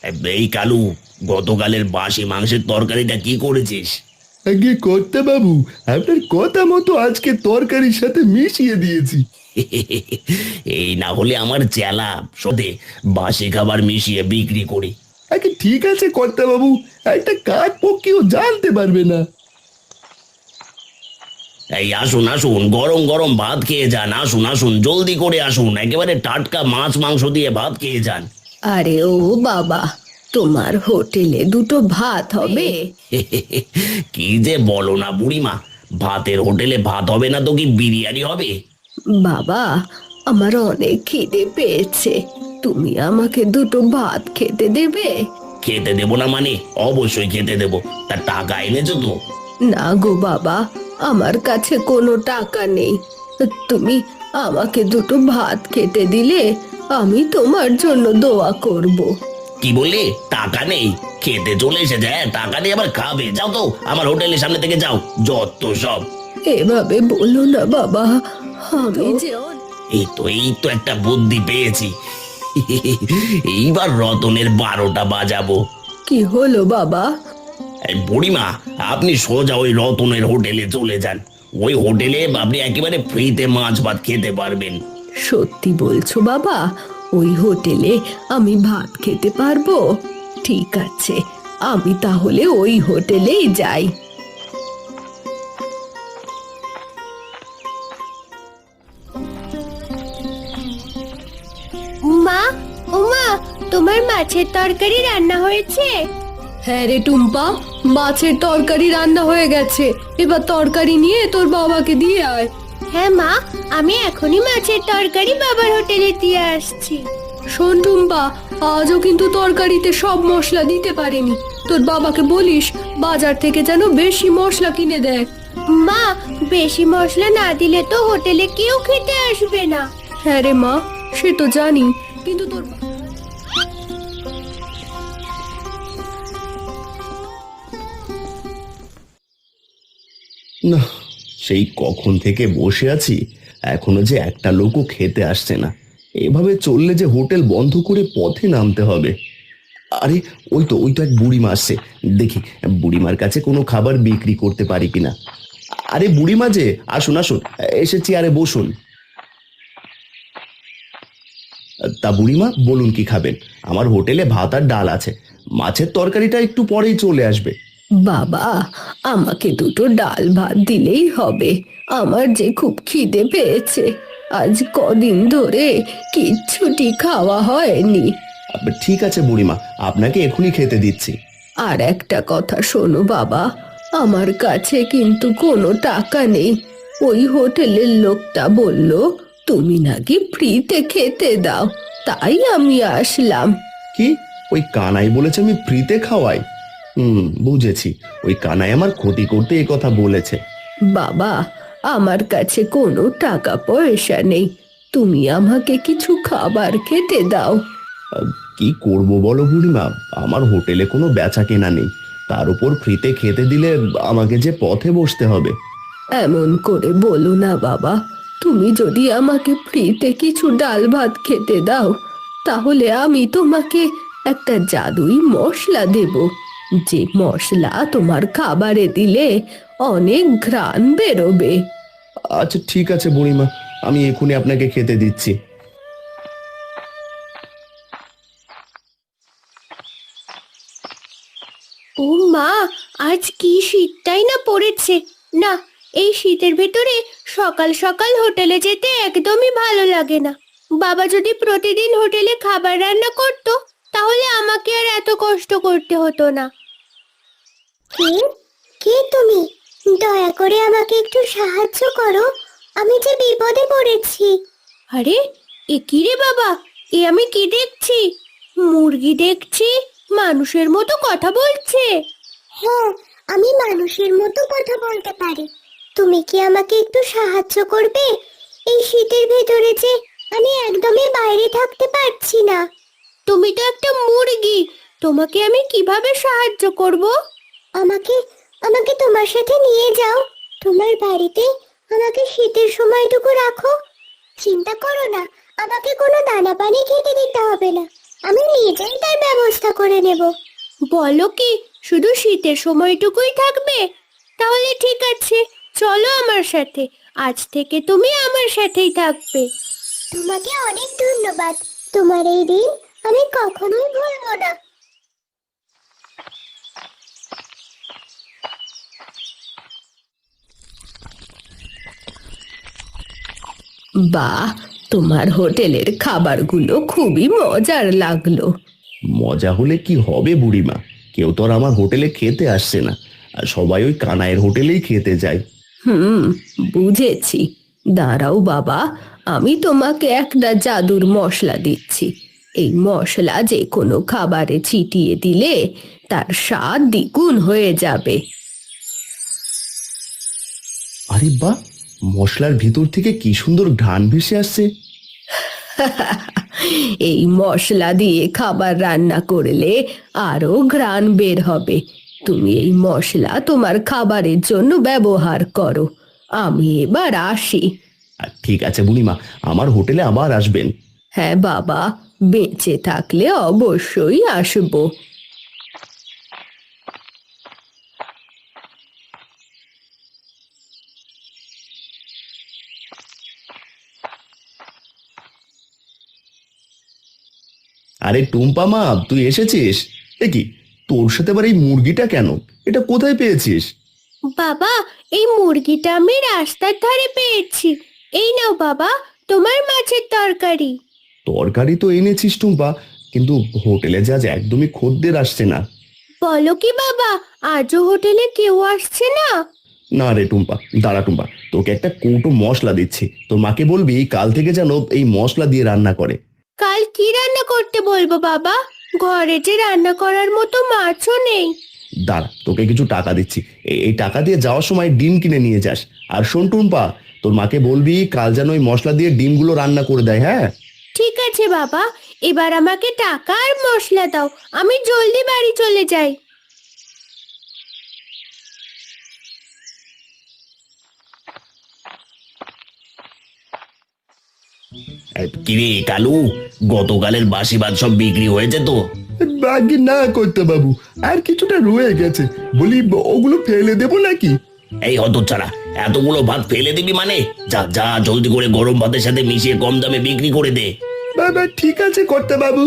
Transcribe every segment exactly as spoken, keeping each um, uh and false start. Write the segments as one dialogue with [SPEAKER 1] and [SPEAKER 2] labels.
[SPEAKER 1] এই কালু, গতকালের বাসি মাংসের তরকারিটা কি করেছিস?
[SPEAKER 2] আগে কর্তা বাবু, আপনার কথা মতো আজকে তরকারির সাথে মিশিয়ে দিয়েছি।
[SPEAKER 1] এই না হলে আমার চেলা সদে বাসি খাবার মিশিয়ে বিক্রি করি।
[SPEAKER 2] আগে ঠিক আছে কর্তা বাবু, একটা কাঠ পক্ষীও জানতে পারবে না।
[SPEAKER 1] এই আসুন আসুন, গরম গরম ভাত খেয়ে যান। আসুন আসুন, জলদি করে আসুন, একেবারে টাটকা মাছ মাংস দিয়ে ভাত খেয়ে যান।
[SPEAKER 3] আরে ও বাবা, তোমার হোটেলে দুটো ভাত হবে?
[SPEAKER 1] কি যে বলো না বুড়িমা, ভাতের হোটেলে ভাত হবে না তো কি বিরিয়ানি হবে?
[SPEAKER 3] বাবা, আমার অনেক খিদে পেয়েছে, তুমি আমাকে দুটো ভাত খেতে দেবে?
[SPEAKER 1] খেতে দেবো না মানে? অবশ্যই খেতে দেবো। তা টাকা এনেছো তো?
[SPEAKER 3] না গো বাবা, আমার কাছে কোনো টাকা নেই। তুমি আমাকে দুটো ভাত খেতে দিলে আমি তোমার জন্য দোয়া করব।
[SPEAKER 1] কি বললি? টাকা নেই? খেতে চলে এসেছে, হ্যাঁ, টাকা নেই আবার খাবে? যাও তো আমার হোটেলের সামনে থেকে যাও, যত সব।
[SPEAKER 3] এভাবে বলো না বাবা, আমি যে অন-
[SPEAKER 1] এই তো এই তো একটা বুদ্ধি পেয়েছি। এইবার রতনের বারোটা বাজাবো।
[SPEAKER 3] কি হলো বাবা?
[SPEAKER 1] এই বুড়িমা, আপনি সোজা ওই রতনের হোটেলে চলে যান। ওই হোটেলে আপনি একেবারে ফ্রিতে মাছ ভাত খেতে পারবেন।
[SPEAKER 3] সত্যি বলছো বাবা? ওই হোটেলে আমি ভাত খেতে পারবো? ঠিক আছে, আমি তাহলে ওই হোটেলেই যাই।
[SPEAKER 4] মা, ওমা, তোমার মাছের তরকারি রান্না হয়েছে?
[SPEAKER 3] হ্যাঁ রে টুম্পা, মাছের তরকারি রান্না হয়ে গেছে। এবার তরকারি নিয়ে তোর বাবাকে দিয়ে আয়।
[SPEAKER 4] হ্যাঁ মা, আমি এখনই মাছের তরকারি বাবার হোটেলে দিয়ে আসছি।
[SPEAKER 3] শোন টুম্পা, আজও কিন্তু তরকারিতে সব মশলা দিতে পারেনি। তোর বাবাকে বলিস বাজার থেকে যেন বেশি মশলা কিনে দেয়।
[SPEAKER 4] মা, বেশি মশলা না দিলে তো হোটেলে কেউ খেতে আসবে না।
[SPEAKER 3] হ্যাঁ রে মা, সে তো জানি, কিন্তু তোর
[SPEAKER 2] না, সেই কখন থেকে বসে আছি, এখনো যে একটা লোকও খেতে আসছে না। এভাবে চললে যে হোটেল বন্ধ করে পথে নামতে হবে। আরে ওই তো ওই তো এক বুড়িমা আসছে, দেখি বুড়িমার কাছে কোনো খাবার বিক্রি করতে পারি কিনা। আরে বুড়িমা যে, আসুন আসুন, এসে চেয়ারে বসুন। তা বুড়িমা বলুন কি খাবেন? আমার হোটেলে ভাত আর ডাল আছে, মাছের তরকারিটা একটু পরেই চলে আসবে।
[SPEAKER 3] বাবা, আমাকে দুটো ডাল ভাত দিলেই হবে। আমার যে খুব খিদে পেয়েছে, আজ কদিন ধরে কিচ্ছুটি খাওয়া হয়নি।
[SPEAKER 2] আব, ঠিক আছে বুড়িমা, আপনাকে এখনই খেতে দিচ্ছি।
[SPEAKER 3] আর একটা কথা শোনো বাবা, আমার কাছে কিন্তু কোনো টাকা নেই। ওই হোটেলের লোকটা বলল তুমি নাকি ফ্রিতে খেতে দাও, তাই আমি আসলাম।
[SPEAKER 2] কি? ওই কানাই বলেছে আমি ফ্রিতে খাওয়াই? হুম, বুঝেছি, ওই কানাই আমার ক্ষতি করতে এই কথা বলেছে।
[SPEAKER 3] বাবা, আমার কাছে কোনো টাকা পয়সা নেই, তুমি আমাকে কিছু খাবার খেতে দাও।
[SPEAKER 2] আহ, কি করব বলো বুড়িমা, আমার হোটেলে কোনো বেচা কেনা নেই, তার উপর ফ্রিতে খেতে দিলে আমাকে যে পথে বসতে হবে।
[SPEAKER 3] এমন করে বলো না বাবা, তুমি যদি আমাকে ফ্রিতে কিছু ডাল ভাত খেতে দাও, তাহলে আমি তোমাকে একটা জাদুই মশলা দেব, যে মশলা তোমার খাবারে দিলে অনেক ঘ্রাণ বেরোবে।
[SPEAKER 2] আচ্ছা ঠিক আছে বুড়িমা, আমি এখনই আপনাকে খেতে দিচ্ছি।
[SPEAKER 4] ও মা, আজ কি শীতটাই না পড়েছে। না, এই শীতের ভেতরে সকাল সকাল হোটেলে যেতে একদমই ভালো লাগে না। বাবা যদি প্রতিদিন হোটেলে খাবার রান্না করতো, তাহলে আমাকে আর এত কষ্ট করতে হতো না। কে কে তুমি? দয়া করে আমাকে একটু সাহায্য করো, আমি যে বিপদে পড়েছি। আরে, এ কি রে বাবা, এ আমি কি দেখছি? মুরগি দেখছি, মানুষের মতো কথা বলছে। হ্যাঁ, আমি মানুষের মতো কথা বলতে পারি। তুমি কি আমাকে একটু সাহায্য করবে? এই শীতের ভেতরে যে আমি একদমই বাইরে থাকতে পারছি না। তুমি তো একটা মুরগি, তোমাকে আমি কিভাবে সাহায্য করব? আমাকে আমাকে তোমার সাথে নিয়ে যাও, তোমার বাড়িতে আমাকে শীতের সময়টুকু রাখো। চিন্তা করো না, আমাকে কোনো দানা পানি খেতে দিতে হবে না। আমি নিজেই তার ব্যবস্থা করে নেব। বলো কি, শুধু শীতের সময়টুকুই থাকবে? তাহলে ঠিক আছে, চলো আমার সাথে। আজ থেকে তুমি আমার সাথেই থাকবে। তোমাকে অনেক ধন্যবাদ। তোমার এই দিন আমি কখনোই ভুলবো না।
[SPEAKER 3] বাহ, তোমার হোটেলের খাবারগুলো খুবই মজার লাগলো।
[SPEAKER 2] মজা হলে কি হবে বুড়িমা, কেউ তো আর আমার হোটেলে খেতে আসছে না, আর সবাই ওই কানাইয়ের হোটেলেই খেতে যায়।
[SPEAKER 3] হুম, বুঝেছি। দাঁড়াও বাবা, আমি তোমাকে একটা জাদুর মশলা দিচ্ছি। এই মশলা যে কোনো খাবারে ছিটিয়ে দিলে তার স্বাদ দ্বিগুণ হয়ে যাবে।
[SPEAKER 2] আরে বাহ, মশলার ভিতর থেকে কি সুন্দর ঘ্রাণ ভেসে আসছে।
[SPEAKER 3] এই মশলা দিয়ে খাবার রান্না করলে আরো ঘ্রাণ বের হবে। তুমি এই মশলা তোমার খাবারের জন্য ব্যবহার করো। আমি এবার আসি।
[SPEAKER 2] আর ঠিক আছে বুড়িমা, আমার হোটেলে আবার আসবেন।
[SPEAKER 3] হ্যাঁ বাবা, বেঁচে থাকলে অবশ্যই আসবো।
[SPEAKER 2] আরে টুম্পা মা, তুই এসেছিস? এ কি, তোর সাথে আবার এই মুরগিটা কেন? এটা কোথায় পেয়েছিস?
[SPEAKER 4] বাবা, এই মুরগিটা আমি রাস্তার ধারে পেয়েছি। এই নাও বাবা, তোমার মাছের তরকারি।
[SPEAKER 2] তরকারি তো এনেছিস টুম্পা, কিন্তু হোটেলে যা আজ একদমই খদ্দের আসছে না।
[SPEAKER 4] বলো কি বাবা, আজও হোটেলে কেউ আসছে না?
[SPEAKER 2] না রে টুম্পা, দাঁড়া টুম্পা, তোকে একটা কৌটো মশলা দিচ্ছি, তোর মাকে বলবি কাল থেকে যেন এই মশলা দিয়ে রান্না করে।
[SPEAKER 4] কাল কি রান্না করতে বলবো বাবা? ঘরে যে রান্না করার মতো মাছও নেই।
[SPEAKER 2] দাঁড়া, তোকে কিছু টাকা দিচ্ছি, এ- এই টাকা দিয়ে যাওয়ার সময় ডিম কিনে নিয়ে যাস। আর শোন টুম্পা, তোর মাকে বলবি কাল যেন ওই মশলা দিয়ে ডিমগুলো রান্না করে দেয়, হ্যাঁ?
[SPEAKER 4] ঠিক আছে বাবা, এবার আমাকে টাকা আর মশলা দাও, আমি জলদি বাড়ি চলে যাই।
[SPEAKER 1] এ, কিরে কালু, গতকালের বাসি ভাত সব বিক্রি হয়েছে তো?
[SPEAKER 2] বাকি না করতে বাবু, আর কিছুটা রয়ে গেছে, বলি ওগুলো ফেলে দেবো নাকি?
[SPEAKER 1] এই হতচ্ছাড়া, এতগুলো ভাত ফেলে দিবি মানে? যা যা, জলদি করে গরম ভাতের সাথে মিশিয়ে কম দামে বিক্রি করে দে।
[SPEAKER 2] বাবা ঠিক আছে করতে বাবু।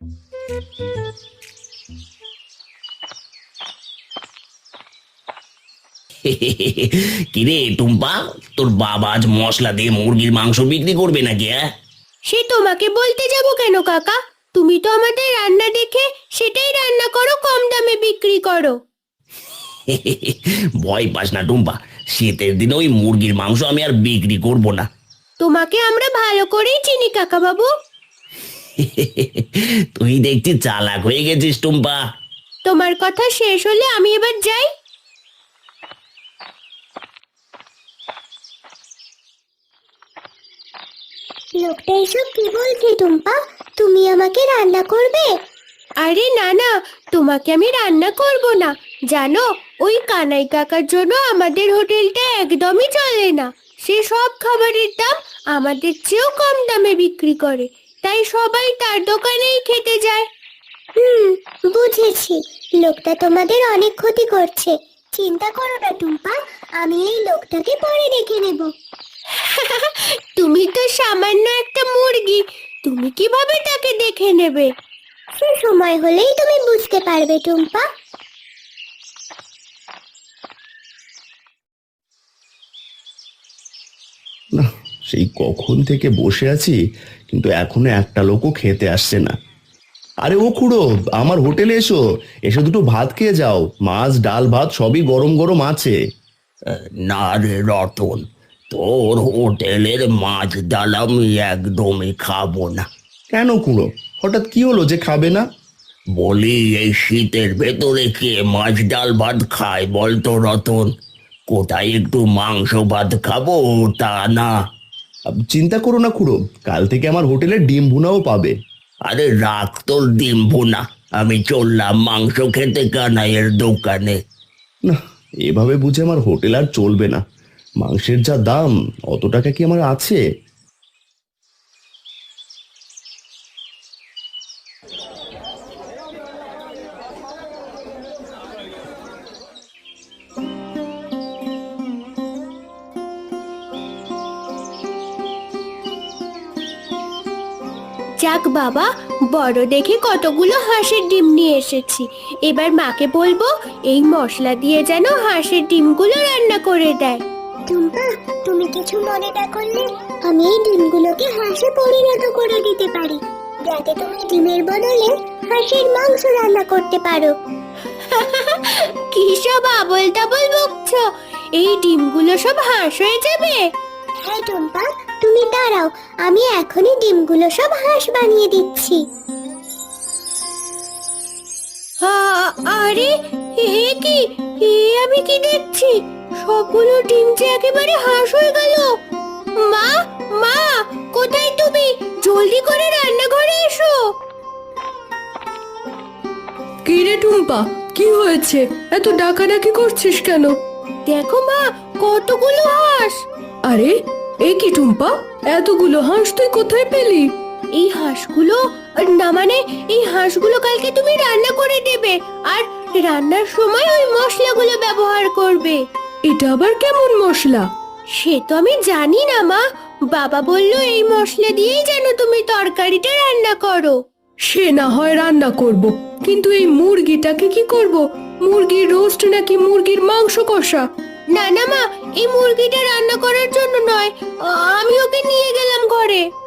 [SPEAKER 1] কিরে টুম্পা, তোর বাবা আজ মশলা দিয়ে মুরগির মাংস বিক্রি করবে নাকি? হ্যাঁ,
[SPEAKER 4] সে তোমাকে বলতে যাব কেন কাকা? তুমি তো আমাদের রান্না দেখে সেটাই রান্না করো, কম দামে বিক্রি করো।
[SPEAKER 1] ভয় পাস না টুম্পা, শীতের দিনে ওই মুরগির মাংস আমি আর বিক্রি করব না।
[SPEAKER 4] তোমাকে আমরা ভালো করেই চিনি কাকা বাবু।
[SPEAKER 1] তুই দেখছি চালাক হয়ে গেছিস টুম্পা।
[SPEAKER 4] তোমার কথা শেষ হলে আমি এবার যাই। লোকটা এসব কি বলছে টুম্পা? তুমি আমাকে রান্না করবে? আরে না না, তোমাকে আমি রান্না করব না। জানো, ওই কানাই কাকার জন্য আমাদের হোটেলটা একদমই চলে না। সে সব খাবারের দাম আমাদের চেয়েও কম দামে বিক্রি করে, তাই সবাই তার দোকানেই খেতে যায়। হুম, বুঝেছি। লোকটা তোমাদের অনেক ক্ষতি করছে। চিন্তা করো না টুম্পা, আমি এই লোকটাকে পরে দেখে নেব। তুমি তো সামান্য একটা মুরগি, তুমি কিভাবে তাকে দেখে নেবে? সে সময় হলেই তুমি বুঝতে পারবে টুম্পা।
[SPEAKER 2] না, সেই কখন থেকে বসে আছি, কিন্তু এখনো একটা লোকও খেতে আসছে না। আরে ও খুড়ো, আমার হোটেলে এসো, এসে দুটো ভাত খেয়ে যাও, মাছ ডাল ভাত সবই গরম গরম আছে।
[SPEAKER 1] না রে রতন, তোর হোটেলের মাছ ডাল আমি একদমই খাবো না।
[SPEAKER 2] কেন খুড়ো, হঠাৎ কি হলো যে খাবে না?
[SPEAKER 1] বলি, এই শীতের ভেতরে কে মাছ ডাল ভাত খায় বলতো রতন? কোথায় একটু মাংস ভাত খাবো তা না।
[SPEAKER 2] আব, চিন্তা করো না খুড়ো, কাল থেকে আমার হোটেলে ডিম ভুনাও পাবে।
[SPEAKER 1] আরে রাখ তোর ডিম ভুনা, আমি চললাম মাংস খেতে কানাইয়ের দোকানে।
[SPEAKER 2] না, এভাবে বুঝে আমার হোটেল আর চলবে না। মাংসের যা দাম, অত টাকা কি আমার আছে?
[SPEAKER 4] যাক বাবা, বড় দেখে কতগুলো হাঁসের ডিম নিয়ে এসেছি। এবার মাকে বলবো এই মশলা দিয়ে যেন হাঁসের ডিমগুলো রান্না করে দেয়।
[SPEAKER 5] টুম্পা, তুমি কিছু মনে না করলে আমি এই ডিমগুলোকে হাঁসে পরিণত করে দিতে পারি, যাতে তুমি ডিমের বদলে হাঁসের মাংস রান্না করতে পারো।
[SPEAKER 4] কি সব আবল তাবল বকছো? এই ডিমগুলো সব হাঁস হয়ে যাবে?
[SPEAKER 5] হ্যাঁ টুম্পা, তুমি দাঁড়াও, আমি এখনই ডিমগুলো সব হাঁস বানিয়ে দিচ্ছি।
[SPEAKER 4] আ- আরে এ কি, এ আমি কি দেখছি? সবগুলো ডিম যে একেবারে হাঁস হয়ে গেল। মা, মা, কোথায় তুমি? জলদি করে রান্নাঘরে এসো।
[SPEAKER 3] কি রে টুম্পা, কি হয়েছে? এত ডাকাডাকি করছিস কেন?
[SPEAKER 4] দেখো মা, কতগুলো হাঁস।
[SPEAKER 3] আরে এ কি টুম্পা, এতগুলো হাঁস তুই কোথায় পেলি?
[SPEAKER 4] এই হাঁসগুলো, না মানে এই হাঁসগুলো কালকে তুমি রান্না করে দেবে, আর রান্নার সময় ওই মশলাগুলো ব্যবহার করবে।
[SPEAKER 3] এটা আবার কেমন মশলা?
[SPEAKER 4] সে তো আমি জানি না মা, বাবা বললো এই মশলা দিয়েই যেন তুমি তরকারিটা রান্না করো।
[SPEAKER 3] সে না হয় রান্না করব, কিন্তু এই মুরগিটাকে কি করব? মুরগির রোস্ট নাকি মুরগির মাংস কষা?
[SPEAKER 4] না না মা, এই মুরগিটা রান্না করার জন্য নয়, আ- আমি ওকে নিয়ে গেলাম ঘরে।